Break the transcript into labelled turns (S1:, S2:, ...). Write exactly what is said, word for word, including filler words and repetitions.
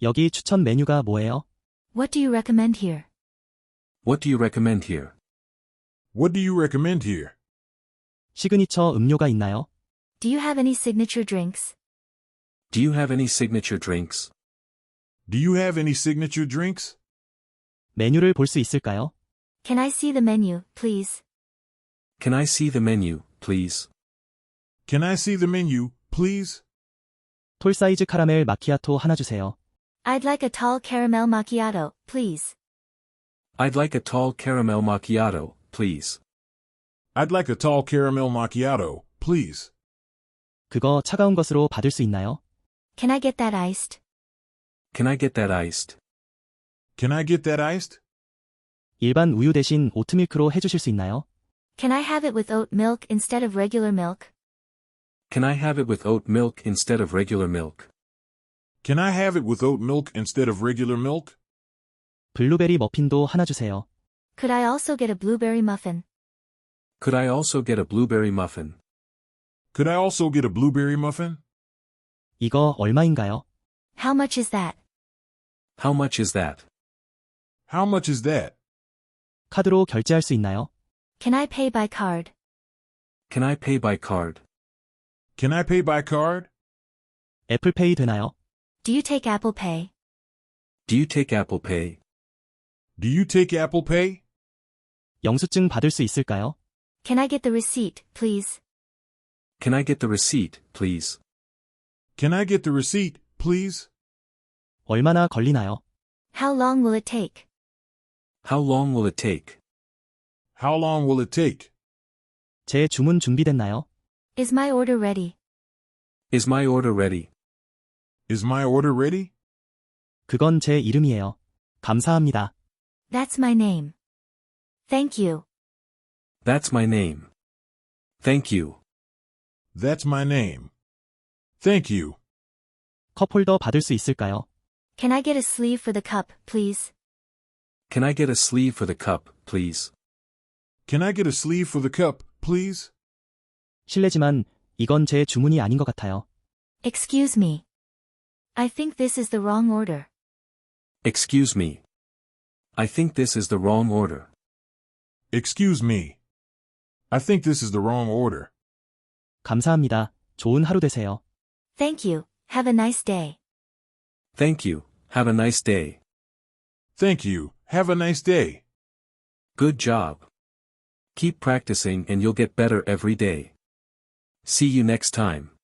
S1: 여기 추천 메뉴가 뭐예요?
S2: What do you recommend here?
S3: What do you recommend here?
S4: What do you recommend here?
S1: 시그니처 음료가 있나요?
S2: Do you have any signature drinks?
S3: Do you have any signature drinks?
S4: Do you have any signature drinks?
S1: 메뉴를 볼 수 있을까요?
S2: Can I see the menu, please?
S3: Can I see the menu, please?
S4: Can I see the menu, please?
S1: 톨 사이즈 카라멜 마키아토 하나 주세요.
S2: I'd like a tall caramel macchiato, please.
S3: I'd like a tall caramel macchiato, please.
S4: I'd like a tall caramel macchiato, please.
S1: 그거 차가운 것으로 받을 수 있나요?
S2: Can I get that iced?
S3: Can I get that iced?
S4: Can I get that iced?
S1: 일반 우유 대신 오트밀크로 해주실 수 있나요?
S2: Can I have it with oat milk instead of regular milk?
S3: Can I have it with oat milk instead of regular milk?
S4: Can I have it with oat milk instead of regular milk?
S1: 블루베리 머핀도 하나 주세요.
S2: Could I also get a blueberry muffin?
S3: Could I also get a blueberry muffin?
S4: Could I also get a blueberry muffin?
S1: 이거 얼마인가요?
S2: How much is that?
S3: How much is that?
S4: How much is that?
S1: 카드로 결제할 수 있나요?
S2: Can I pay by card?
S3: Can I pay by card?
S4: Can I pay by card?
S1: 애플페이 되나요?
S2: Do you take Apple Pay?
S3: Do you take Apple Pay?
S4: Do you take Apple Pay?
S1: 영수증 받을 수 있을까요?
S2: Can I get the receipt, please?
S3: Can I get the receipt, please?
S4: Can I get the receipt, please?
S1: 얼마나 걸리나요?
S2: How long will it take?
S3: How long will it take?
S4: How long will it take?
S1: 제 주문 준비됐나요?
S2: Is my order ready?
S3: Is my order ready?
S4: Is my order ready?
S1: 그건 제 이름이에요. 감사합니다.
S2: That's my name. Thank you.
S3: That's my name. Thank you.
S4: That's my name. Thank you.
S1: 컵홀더 받을 수 있을까요?
S2: Can I get a sleeve for the cup, please?
S3: Can I get a sleeve for the cup, please?
S4: Can I get a sleeve for the cup, please?
S1: 실례지만 이건 제 주문이 아닌 것 같아요.
S2: Excuse me. I think this is the wrong order.
S3: Excuse me. I think this is the wrong order.
S4: Excuse me. I think this is the wrong order.
S1: 감사합니다. 좋은 하루 되세요.
S2: Thank you. Have a nice day.
S3: Thank you. Have a nice day.
S4: Thank you. Have a nice day.
S3: Good job. Keep practicing and you'll get better every day. See you next time.